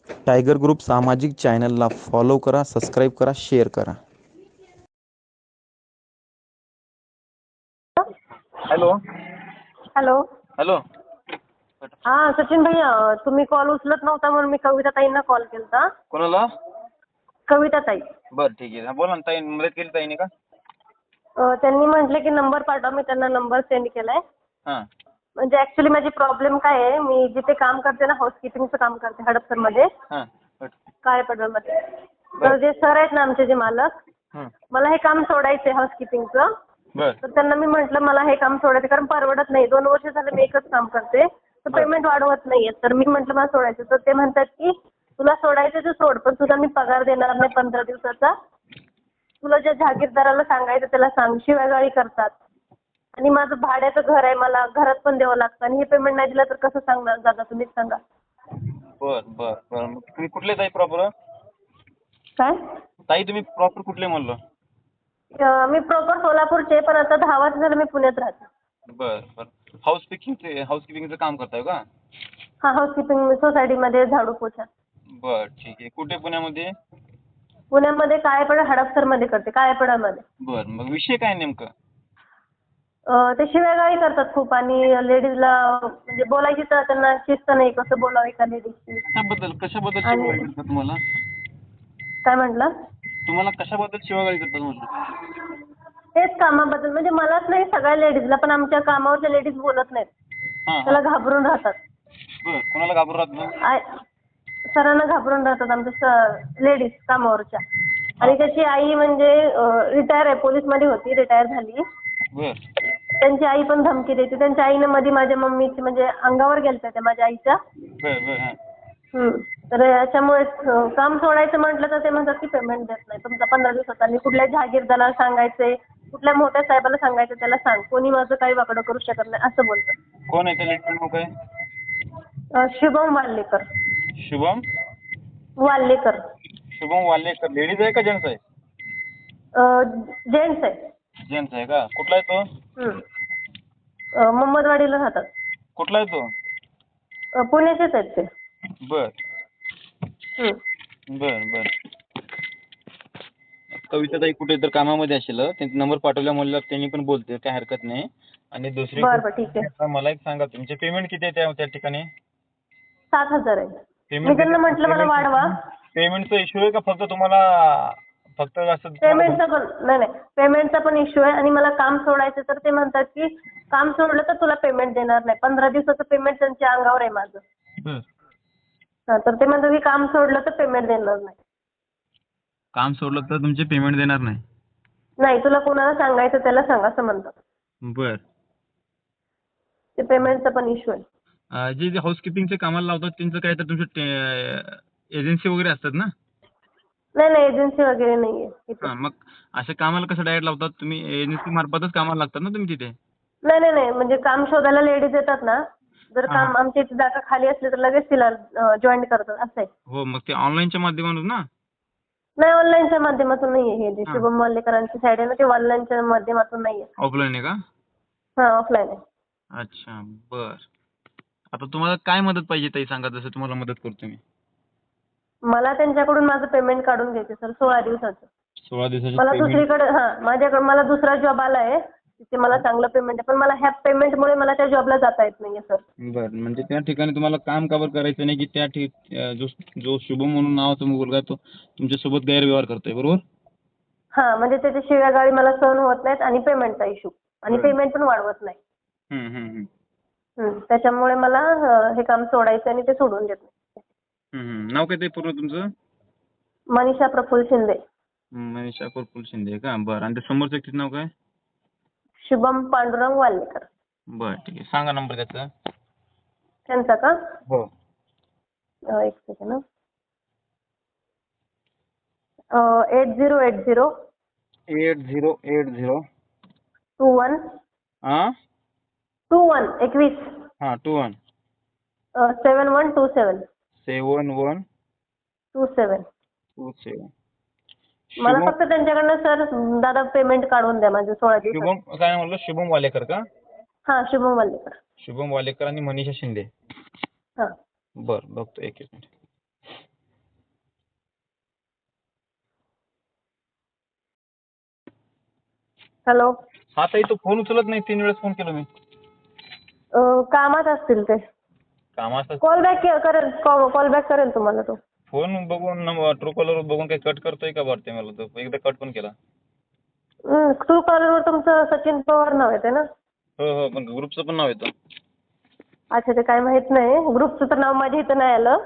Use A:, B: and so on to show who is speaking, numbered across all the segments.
A: Tiger group सामाजिक चॅनलला follow करा, सबस्क्राईब करा, शेअर करा.
B: Hello
C: hello.
B: हॅलो.
C: हा सचिन भैया, तुम्ही कॉल उचलत नव्हता म्हणून मी कविता ताईंना कॉल केलता.
B: कोणाला?
C: कविता ताई.
B: बरं ठीक आहे. बोला ना ताई, मदत केली ताईने का?
C: त्यांनी म्हटले की नंबर पाठवा. मी त्यांना नंबर सेंड केलाय.
B: हां
C: म्हणजे ॲक्च्युली माझी प्रॉब्लेम काय आहे, मी जिथे काम करते ना, हाऊसकीपिंगचं काम करते हडपसरमध्ये,
B: हां बरं
C: काळेपडळमध्ये. तर जे सर आहेत ना आमचे, जे मालक,
B: हं.
C: मला हे काम सोडायचं आहे हाऊसकीपिंगचं.
B: बरं
C: तर त्यांना मी म्हटलं मला हे काम सोडायचं, कारण परवडत नाही. 2 वर्ष झालं मी एकच काम करते, तर पेमेंट वाढवत नाहीये. तर मी म्हटलं मला सोडायचं. तर ते म्हणतात की तुला सोडायचं तर सोड, पण तुला मी पगार देणार नाही 15 दिवसाचा. तुला ज्या जहागीरदाराला सांगायचं त्याला सांग. शिव्यागाळी करतात. आणि माझं भाड्याचं घर आहे, मला घरात पण द्यावं लागतं. आणि हे पेमेंट नाही दिलं तर कसं सांगणार दादा, तुम्हीच सांगा.
B: बरं बरं बरं. मग तुम्ही कुठले ताई प्रॉपर?
C: काय?
B: ताई तुम्ही प्रॉपर कुठले म्हणलं?
C: मी प्रॉपर सोलापूरचे, पण आता 10 वर्ष झालं मी पुण्यात राहते.
B: बरं बरं. हाऊसकीपिंगचं काम करताय का?
C: हा, हाऊसकीपिंग सोसायटीमध्ये झाडू पोछा.
B: बरं ठीक आहे. कुठे पुण्यामध्ये?
C: पुण्यामध्ये काळेपडळ हडपसरमध्ये करते, काळेपडळमध्ये.
B: बरं मग विषय काय नेमकं?
C: ते शिव्यागाळी करतात खूप, आणि लेडीजला म्हणजे बोलायची तर त्यांना शिस्त नाही, कसं बोलावं एका लेडीजशी.
B: कशाबद्दल
C: आणि
B: शिवागाळी करतात तुम्हाला?
C: काय म्हटलं?
B: तुम्हाला कशाबद्दल शिवागाळी करतात म्हटलं?
C: तेच कामाबद्दल, म्हणजे मलाच नाही सगळ्या लेडीजला, पण आमच्या कामावरच्या लेडीज बोलत नाहीत.
B: हां हां.
C: त्याला घाबरून राहतात.
B: बरं. कोणाला घाबरून राहत मग?
C: सरांना घाबरून राहतात आमच्या लेडीज कामावरच्या.
B: हां.
C: आणि त्याची आई म्हणजे रिटायर आहे, पोलीसमध्ये होती, रिटायर झाली.
B: बरं
C: त्यांची आई पण धमकी देते. त्यांच्या आईनं मध्ये माझ्या मम्मीची म्हणजे अंगावर गेलत्या त्या माझ्या आईच्या.
B: बरं बरं. हां.
C: तर याच्यामुळे काम सोडायचं म्हटलं तर ते म्हणतात की पेमेंट देत नाही तुमचा 15 दिवसाचा. आणि कुठल्या जहागीरदाराला सांगायचंय, कुठल्या मोठ्या साहेबाला सांगायचं, त्याला सांग, कोणी माझं काही वाकडं करू शकत नाही असं बोलतात.
B: कोण आहे त्या लेडीचं नाव काय?
C: शुभम वाल्लेकर.
B: शुभम
C: वाल्लेकर.
B: शुभम वाल्लेकर. लेडीज आहे का जेंट्स आहे?
C: जेंट्स आहे.
B: जेंट्स आहे का? कुठला आहे तो?
C: मोहम्मदवाडीला राहतात.
B: कुठला आहे तो?
C: पुण्याचेच आहेत ते.
B: बर
C: हं.
B: बर बर. कविताताई कुठे तर कामामध्ये असेल, त्यांचा नंबर पाठवल्या म्हणल्यावर त्यांनी पण बोलते, काही हरकत नाही. आणि दुसरी
C: बरं बरं, ठीक आहे.
B: आता मला एक सांगा, तुमचे पेमेंट किती आहे त्या ठिकाणी?
C: 7,000 आहे. मी
B: पेमेंट
C: त्यांना म्हटलं मला वाढवा.
B: पेमेंटचा इश्यू आहे का फक्त तुम्हाला फक्त असं
C: पेमेंटचा पण नाही, पेमेंटचा पण इश्यू आहे. आणि मला काम सोडायचं तर ते म्हणतात की काम सोडलं तर तुला पेमेंट देणार नाही. 15 दिवसाचं पेमेंट त्यांच्या अंगावर आहे माझं. तर ते म्हणतात की काम सोडलं तर पेमेंट देणार नाही.
B: काम सोडलं तर तुमचे पेमेंट देणार नाही?
C: नाही, तुला कोणाला सांगायचं त्याला सांग असं म्हणतात.
B: बर.
C: ते पेमेंटचा पण इश्यू आहे.
B: जे हाऊसकीपिंगचे कामाला लावतात त्यांचं काय तर तुमचे एजन्सी वगैरे असतात ना?
C: नाही, एजन्सी वगैरे नाहीये इथे.
B: हां, मग अशा कामाला कसं डायरेक्ट लावतात तुम्ही? एजन्सी मार्फतच कामाला लागतात ना तुम्ही तिथे?
C: नाही, म्हणजे काम शोधायला लेडीज येतात ना, जर
B: हां,
C: काम आमच्या इथे जागा खाली असली तर लगेच तिला जॉईन करतात असं आहे.
B: हो, मग ते ऑनलाईनच्या माध्यमातून ना?
C: नाही, ऑनलाईनच्या माध्यमातून नाहीये. हे जे
B: हां.
C: शुभम वाल्लेकरांची साईड आहे ना, ते ऑनलाईनच्या माध्यमातून नाहीये.
B: ऑफलाईन आहे का?
C: हां, ऑफलाईन आहे.
B: अच्छा, बर. आता तुम्हाला काय मदत पाहिजे ताई सांगा, जसं तुम्हाला मदत करतो मी.
C: मला त्यांच्याकडून माझं पेमेंट काढून घ्यायचं सर, 16 दिवसाचं.
B: 16 दिवसाची
C: मला
B: पेमेंट.
C: दुसरीकडे माझ्याकडे मला दुसरा जॉब आला आहे. तिथे मला चांगलं पेमेंट आहे. पण मला ह्या पेमेंटमुळे मला त्या जॉबला जाता येत नाहीये सर.
B: बरं, म्हणजे त्या ठिकाणी तुम्हाला काम का बरं करायचं नाही, की जो शुभम म्हणून नावाचा मुलगा आहे तो तुमच्यासोबत गैरव्यवहार करतोय, बरोबर?
C: हां, म्हणजे त्याच्या शिव्यागाळी मला सहन होत नाहीत आणि पेमेंटचा इश्यू. आणि
B: बरं.
C: पेमेंट पण वाढवत नाही.
B: हं, हं, हं.
C: त्याच्यामुळे मला हे काम सोडायचं आणि ते सोडून देत नाही.
B: हं, हं. नाव काय ते पूर्ण तुमचं?
C: मनीषा प्रफुल्ल शिंदे.
B: मनीषा प्रफुल्ल शिंदे का? बरं. आणि ते समोरचं व्यक्तीचं नाव काय?
C: शुभम पांडुरंग वाल्लेकर.
B: बरं, ठीक आहे. सांगा नंबर त्याचा.
C: त्यांचा का?
B: हो.
C: एक सेकंड. 8080
B: 8080
C: 21
B: हां
C: 21
B: हां 21
C: 7127 27.
B: 7127.
C: मला
B: शुभम
C: फक्त त्यांच्याकडनं सर दादा पेमेंट काढून द्या माझं 16 दिवसात.
B: शुभम काय म्हणलं? शुभम वालेकर का?
C: हां, शुभम वाल्लेकर.
B: शुभम वालेकर आणि मनीषा शिंदे.
C: हां.
B: बरं, बघतो एक मिनिट.
C: हॅलो.
B: हा ताई, तो फोन उचलत नाही. 3 वेळेस फोन केला मी.
C: कामात असतील ते.
B: कामाचा
C: कॉल बॅक करेल, कॉल बॅक करेल तुम्हाला तो.
B: फोन बघून ट्रू कॉलर बघून काही कट करतोय का वाटते मला. तो एकदा कट पण केला.
C: ट्रू कॉलरवर तुमचं सचिन पवार नाव येते ना?
B: हो, पण ग्रुपचं पण नाव येतं.
C: अच्छा, ते काय माहित नाही. ग्रुपचं तर नाव माझ्या इथं नाही आलं,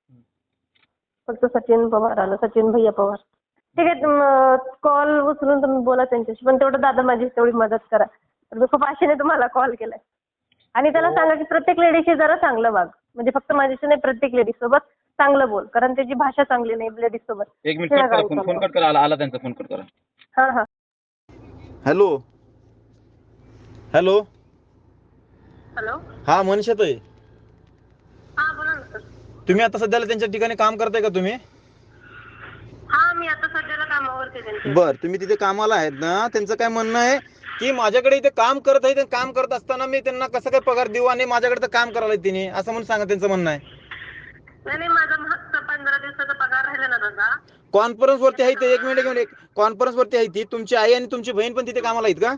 C: फक्त सचिन पवार आलं, सचिन भैया पवार. ठीक आहे, कॉल उचलून तुम्ही बोला त्यांच्याशी, पण तेवढं दादा माझी तेवढी मदत करा. मी खूप आशेने तुम्हाला कॉल केलाय. आणि त्याला सांगा की प्रत्येक लेडीशी जरा चांगलं वाग, म्हणजे फक्त माझ्याशी नाही, प्रत्येक लेडीज सोबत चांगलं बोल, कारण त्याची भाषा चांगली नाही लेडीज सोबत.
B: 1 मिनिट कट करा. फोन कट करा. आला त्यांचा. फोन कट करा.
C: हा.
A: हॅलो. हॅलो.
C: हॅलो.
A: हा मनीषाताई,
C: हा बोला ना सर.
A: तुम्ही आता सध्याला त्यांच्या ठिकाणी काम करताय का तुम्ही?
C: हा, मी आता सध्याला कामावरती त्यांच्या.
A: बर, तुम्ही तिथे कामाला आहेत ना. त्यांचं काय म्हणणं आहे की माझ्याकडे इथे काम करत आहे, काम करत असताना मी त्यांना कसं काय पगार देऊ, आणि माझ्याकडे तर काम करायला तिने, असं म्हणून सांगा. त्यांचं म्हणणं आहे.
C: नाही, माझा मागचा 15 दिवसाचा पगार राहिला ना दादा.
A: कॉन्फरन्स वरती आहे ते. एक मिनिट. कॉन्फरन्स वरती आहे ती. तुमची आई आणि तुमची बहीण पण तिथे कामाला आहेत का?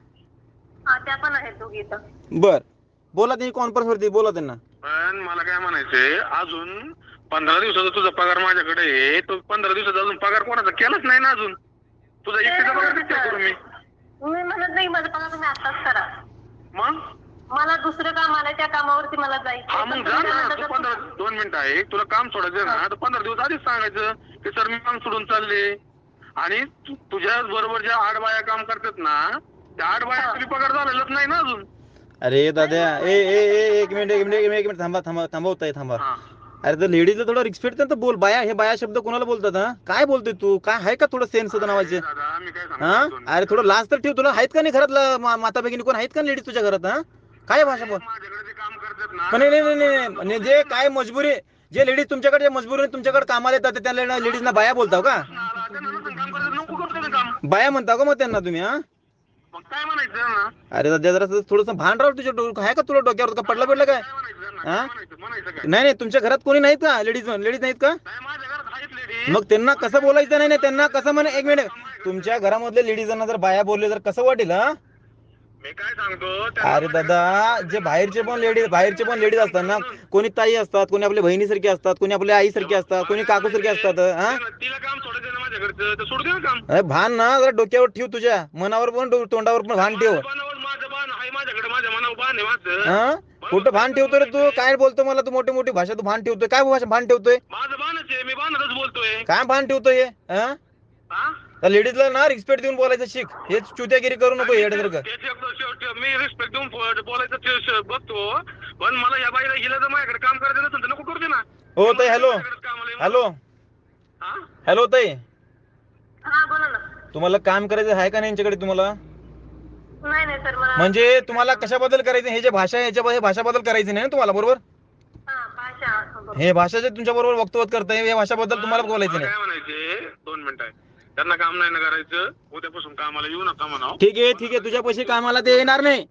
C: हा, त्या पण आहेत दोघी इथं.
A: बर, बोला त्यांनी कॉन्फरन्स वरती, बोला त्यांना.
D: पण मला काय म्हणायचंय, अजून 15 दिवसाचा तुझा पगार माझ्याकडे आहे. तो 15 दिवसाचा अजून पगार कोणाचा केलाच नाही ना अजून. तुझा एकटीचा पगार किती करू मी?
C: मी म्हणत नाही माझा पगार तुम्ही आताच करा.
D: मग
C: मला दुसरं काम आलंय, त्या कामावरती मला
D: हा,
C: जायचं.
D: मग जा ना. तू 2 मिनिटं आहे, तुला काम सोडायचं ना, तर 15 दिवस आधीच सांगायचं की सर मी काम सोडून चालले. आणि तुझ्या बरोबर ज्या 8 बाया काम करतात ना, त्या 8 बाया तुझी पगार झालेलाच नाही ना अजून.
A: अरे दादा, एक मिनिट थांबा.
D: हा.
A: अरे तर लेडीजला थोडं रिस्पेक्ट तर बोल. बाया, हे बाया शब्द कोणाला बोलतात? हा, काय बोलतोय तू? काय आहे का थोडं सेन्स होतं नावाचे?
D: दादा मी काय
A: हा,
D: सांगतो,
A: अरे थोडं लाज तर ठेव. तुला आहेत का नाही घरात माता भगिनी कोण आहेत का लेडीज तुझ्या घरात? हा, काय भाषा बोल.
D: माझ्याकडे जे काम करतात ना,
A: पण नाही, जे काय मजबुरी, जे लेडीज तुमच्याकडे मजबुरी तुमच्याकडे कामाला येतात, त्या लेडीजना बाया बोलताव का?
D: काम करतात नको करतो ना काम.
A: बाया म्हणता का मग त्यांना तुम्ही? हा,
D: मग काय म्हणायचं ना?
A: अरे दादा जरा थोडंसं भान राव तुझ्या आहे का तुला डोक्यावर का पडलं काय?
D: काय म्हणायचं ना?
A: हा?
D: काय म्हणायचं काय?
A: नाही, तुमच्या घरात कोणी नाहीत का लेडीज नाहीत का?
D: नाही, माझ्या घरात आहेत लेडीज.
A: मग त्यांना कसं बोलायचं? नाही, त्यांना कसं म्हणे. एक मिनिट, तुमच्या घरामधल्या लेडीजांना जर बाया बोलले तर कसं वाटेल? हा,
D: मी काय सांगतो
A: अरे दादा, जे बाहेरचे पण लेडीज असतात ना, कोणी ताई असतात, कोणी आपल्या बहिणीसारखी असतात, कोणी आपल्या आईसारखी असतात, कोणी काकूसारखी असतात. हा,
D: तिला काम सोडायचं ना माझ्याकडचं, तर सोडू दे ना काम.
A: अरे भान ना जरा डोक्यावर ठेव, तुझ्या मनावर पण तोंडावर पण भान ठेव.
D: माझं बाण आहे माझ्याकडे, माझ्या मनावर बाण आहे माझं.
A: हा, कुठं भान ठेवतोय रे तू? काय बोलतो मला तू? मोठी भाषा तू भान ठेवतोय? काय भाषा भान ठेवतोय?
D: माझं बाणच आहे, मी बाणच बोलतोय.
A: काय भान ठेवतोय? हा,
D: हा?
A: त्या लेडीजला ना रिस्पेक्ट देऊन बोलायचं शिक. हेच चुत्यागिरी करू नको येड्यासारखं.
D: मी रिस्पेक्ट देऊन बोलायचं बघतो, पण मला या बाईला हिला जर माझ्याकडे काम करायचं नसेल तर नको करू दे ना.
A: हो ताई, हॅलो
D: हा?
A: हॅलो ताई,
C: हा बोला ना.
A: तुम्हाला काम करायचं आहे का नाही यांच्याकडे तुम्हाला?
C: नाही सर, मला
A: म्हणजे तुम्हाला कशाबद्दल करायचं? हे जे भाषा आहे याच्या भाषाबद्दल करायचं नाही ना तुम्हाला, बरोबर?
C: भाषा
A: हे भाषा जे तुमच्या बरोबर वक्तव्य करताय या भाषाबद्दल तुम्हाला बोलायचं
D: मला
A: नाही.
D: काय म्हणायचे, 2 मिनिटं आहे. त्यांना काम नाही ना करायचं, उद्यापासून कामाला येऊ नका म्हणावं.
A: ठीक आहे, तुझ्या पैसे कामाला ते येणार नाही.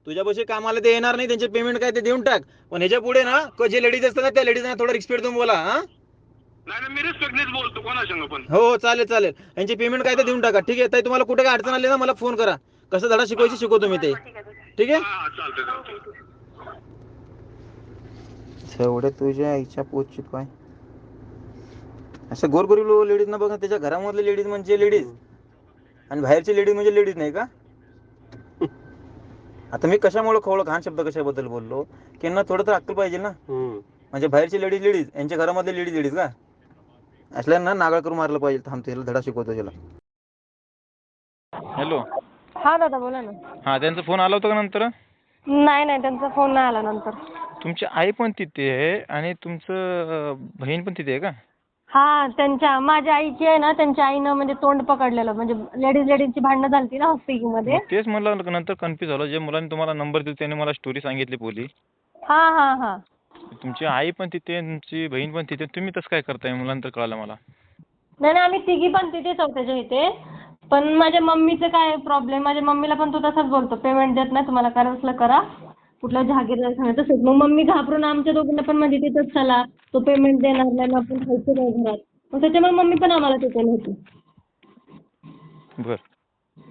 A: त्यांचे पेमेंट काय ते देऊन टाक. पण ह्याच्या पुढे ना जे लेडीज असतात ना, त्या लेडीजना थोडा रिस्पेक्ट देऊन बोला. हा,
D: नाही मी रिस्पेक्टनेच बोलतो कोणासंग पण.
A: हो चालेल. यांची पेमेंट काय ते देऊन टाका. ठीक आहे ताई, तुम्हाला कुठे काय अडचण आली ना मला फोन करा. कसं धडा शिकवायची शिकवतो मी ते. ठीक आहे.
D: हा, चालतंय.
A: एवढे तुझ्या आईच्या पोचीत काय असं गोरगरीब लेडीज ना बघा, त्याच्या घरामधले लेडीज म्हणजे लेडीज आणि बाहेरची लेडीज म्हणजे लेडीज नाही का? आता मी कशामुळे खवळ घाण शब्द कशाबद्दल बोललो की यांना थोडं तर अक्कल पाहिजे ना. म्हणजे बाहेरची लेडीज यांच्या घरामधले लेडीज का? असल्यांना नागाळ करून मारलं पाहिजे. थांबतो, याला धडा शिकवतो त्याला.
B: हॅलो.
C: हा दादा बोला ना.
B: हा, त्यांचा फोन आला होता का नंतर?
C: नाही त्यांचा फोन नाही आला नंतर.
B: तुमची आई पण तिथे आहे आणि तुमचं बहीण पण तिथे आहे का?
C: हा, माझ्या आईची आहे ना, त्यांच्या आईनं म्हणजे तोंड पकडलेलं, म्हणजे लेडीजची भांडणं झाली ना हॉस्पिटलमध्ये.
B: तेच म्हणलं, नंतर कन्फ्युज झालं. जे मुलांनी तुम्हाला नंबर दिला त्याने मला स्टोरी सांगितली पोली.
C: हा.
B: तुमची आई पण तिथे, तुमची बहीण पण तिथे, तुम्ही तसं काय करताय? मुलांतर कळालं मला.
C: नाही आम्ही तिघी पण तिथेच आहोत त्याच्या इथे. पण माझ्या मम्मीचं काय प्रॉब्लेम, माझ्या मम्मीला पण तो तसाच बोलतो, पेमेंट देत नाही तुम्हाला करायचं करा, कुठल्या जहागीरदार सांगायचं तसंच. मग मम्मी घाबरून आमच्या दोघींना पण म्हणजे तिथंच चला, तो पेमेंट देणार नाही, मग आपण खायचं नाही घरात. मग त्याच्यामुळे मम्मी पण आम्हाला तिथे नव्हती.
B: बर.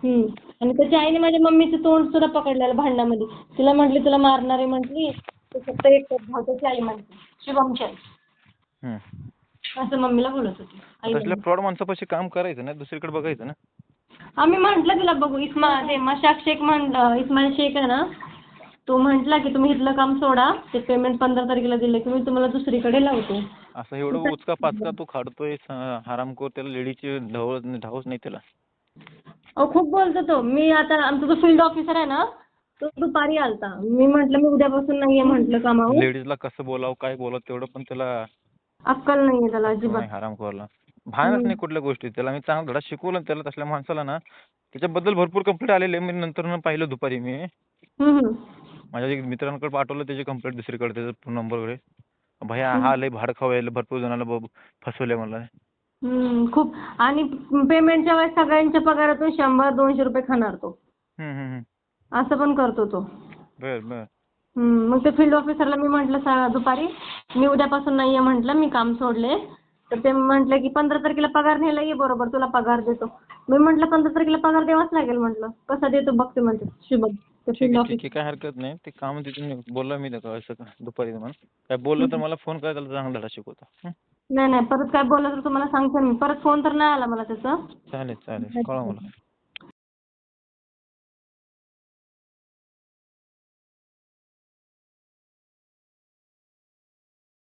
C: आणि त्याच्या आईने माझ्या मम्मीचं तोंड सुद्धा पकडलेलं भांडणामध्ये. तिला म्हटली तुला मारणार आहे म्हटली. ते फक्त एक भाऊ त्याची आई म्हणते शुभमची आई.
B: हम्म.
C: असं मम्मीला बोलत होती आई.
B: तसल्या फ्रॉड माणसापाशी काम करायचं ना, दुसरीकडे बघायचं ना.
C: आम्ही म्हटलं तिला बघू मशाक शेख म्हणलं इस्माईल शेख आहे ना, तो म्हटला की तुम्ही इथलं काम सोडा, ते पेमेंट 15 तारखेला दिलं की मी तुम्हाला दुसरीकडे लावतो.
B: असं एवढं उचका पाचका तू खाडतोय हरामखोर, त्याला लेडीची ढावच नाही त्याला.
C: अहो खूप बोलतो तो. मी आता आमचा जो फील्ड ऑफिसर आहे ना, तो दुपारी आलता. मी म्हटलं मी उद्यापासून नाहीये म्हटलं कामावर.
B: लेडीजला कसं बोलावं काय बोलावं तेवढं पण त्याला
C: अक्कल नाहीये त्याला अजिबात.
B: नाही, हरामखोरला भानच नाही कुठल्या गोष्टी. त्याला मी चांगला धडा शिकवला त्याला. तसल्या माणसाला ना त्याच्याबद्दल भरपूर कंप्लेंट आलेले. मी नंतर पाहिलं दुपारी मी माझ्या एक मित्रांकडे पाठवलं त्याची कंप्लेंट दुसरीकडे, त्याचा फोन नंबर वगैरे. भैया हा लय भाड खावायला भरपूर जणांना फसवले मला.
C: खूप. आणि पेमेंटच्या वेळेस सगळ्यांच्या पगारातून 100-200 रुपये खाणार तो. असं पण करतो तो.
B: बर.
C: मग ते फील्ड ऑफिसरला मी म्हटलं दुपारी मी उद्यापासून नाहीये म्हटलं, मी काम सोडले. तर ते म्हटलं की 15 तारखेला पगार न्यायला ये बरोबर, तुला पगार देतो. मी म्हटलं 15 तारखेला पगार द्यावाच लागेल म्हटलं. कसा देतो बघते म्हणते शुभम.
B: ठीक आहे, काय हरकत नाही. ते काम तिथून बोलला मी असं दुपारी तुम्हाला काय बोललं तर मला फोन करा, त्याला चांगला धडा शिकवतो.
C: नाही परत काय बोललं तर तुम्हाला सांगतो मी. परत फोन तर नाही आला मला त्याचा.
B: चालेल कळवा मला.